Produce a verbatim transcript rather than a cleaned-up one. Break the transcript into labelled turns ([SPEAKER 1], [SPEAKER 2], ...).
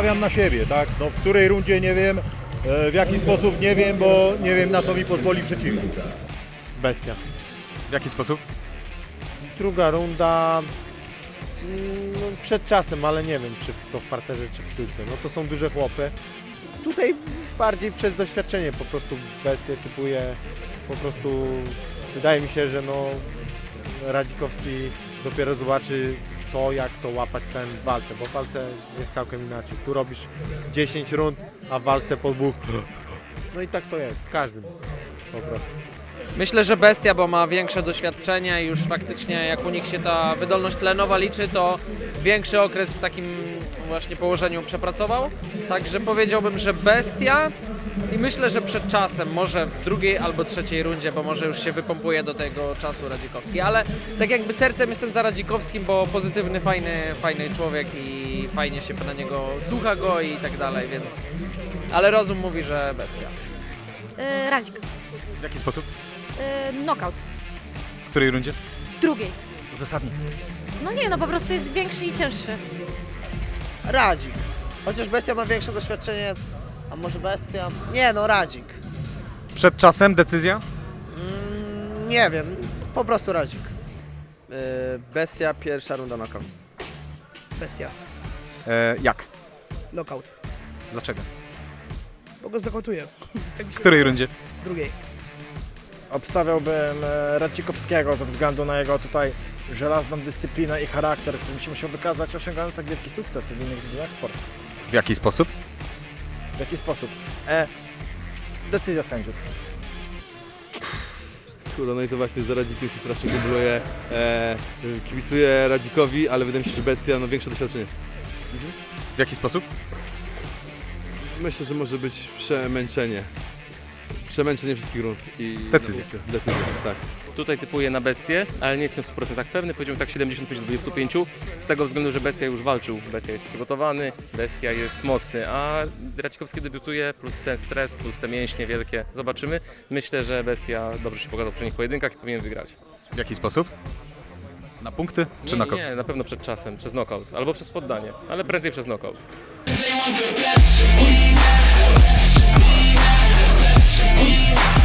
[SPEAKER 1] stawiam na siebie, tak? No, w której rundzie nie wiem, e, w jaki sposób nie wiem, bo nie wiem na co mi pozwoli przeciwnik.
[SPEAKER 2] Bestia.
[SPEAKER 3] W jaki sposób?
[SPEAKER 2] Druga runda mm, no, przed czasem, ale nie wiem, czy w- to w parterze, czy w stójce. No to są duże chłopy. Tutaj bardziej przez doświadczenie po prostu bestię typuje. Po prostu wydaje mi się, że no Radzikowski dopiero zobaczy to, jak to łapać ten w walce, bo w walce jest całkiem inaczej. Tu robisz dziesięć rund, a w walce po dwóch. No i tak to jest z każdym po prostu.
[SPEAKER 4] Myślę, że Bestia, bo ma większe doświadczenie i już faktycznie jak u nich się ta wydolność tlenowa liczy, to większy okres w takim właśnie położeniu przepracował. Także powiedziałbym, że Bestia i myślę, że przed czasem, może w drugiej albo trzeciej rundzie, bo może już się wypompuje do tego czasu Radzikowski, ale tak jakby sercem jestem za Radzikowskim, bo pozytywny, fajny, fajny człowiek i fajnie się na niego słucha go i tak dalej, więc... Ale rozum mówi, że Bestia.
[SPEAKER 5] Yy, Radzik.
[SPEAKER 3] W jaki sposób?
[SPEAKER 5] Yy, knockout.
[SPEAKER 3] W której rundzie?
[SPEAKER 5] W drugiej.
[SPEAKER 3] Uzasadnij.
[SPEAKER 5] No nie, no po prostu jest większy i cięższy.
[SPEAKER 6] Radzik. Chociaż Bestia ma większe doświadczenie, a może Bestia? Nie no, Radzik.
[SPEAKER 3] Przed czasem decyzja?
[SPEAKER 6] Mm, nie wiem, po prostu Radzik.
[SPEAKER 7] Bestia, pierwsza runda knockout.
[SPEAKER 8] Bestia.
[SPEAKER 3] E, jak?
[SPEAKER 8] Knockout.
[SPEAKER 3] Dlaczego?
[SPEAKER 8] Bo go znokautuję. Tak mi
[SPEAKER 3] W
[SPEAKER 8] się
[SPEAKER 3] której
[SPEAKER 8] wydaje.
[SPEAKER 3] rundzie?
[SPEAKER 8] W drugiej.
[SPEAKER 9] Obstawiałbym e, Radzikowskiego ze względu na jego tutaj żelazną dyscyplinę i charakter, którym się musiał wykazać, osiągając tak wielki sukces w innych dziedzinach sportu.
[SPEAKER 3] W jaki sposób?
[SPEAKER 9] W jaki sposób? E, decyzja sędziów.
[SPEAKER 10] Kurde, no i to właśnie za Radzikiem się strasznie kumpluje. E, kibicuję Radzikowi, ale wydaje mi się, że Bestia ma większe doświadczenie.
[SPEAKER 3] W jaki sposób?
[SPEAKER 10] Myślę, że może być przemęczenie. Przemęczenie wszystkich rund i...
[SPEAKER 3] Decyzja.
[SPEAKER 10] Decyzja, tak.
[SPEAKER 11] Tutaj typuję na Bestię, ale nie jestem w stu procentach pewny, powiedziałbym tak siedemdziesiąt pięć do dwudziestu pięciu, z tego względu, że Bestia już walczył, Bestia jest przygotowany, Bestia jest mocny, a Radzikowski debiutuje, plus ten stres, plus te mięśnie wielkie, zobaczymy. Myślę, że Bestia dobrze się pokazał w poprzednich pojedynkach i powinien wygrać.
[SPEAKER 3] W jaki sposób? Na punkty czy
[SPEAKER 11] Nie,
[SPEAKER 3] na
[SPEAKER 11] nie,
[SPEAKER 3] knockout?
[SPEAKER 11] nie, na pewno przed czasem, przez knockout, albo przez poddanie, ale prędzej przez knockout.
[SPEAKER 12] We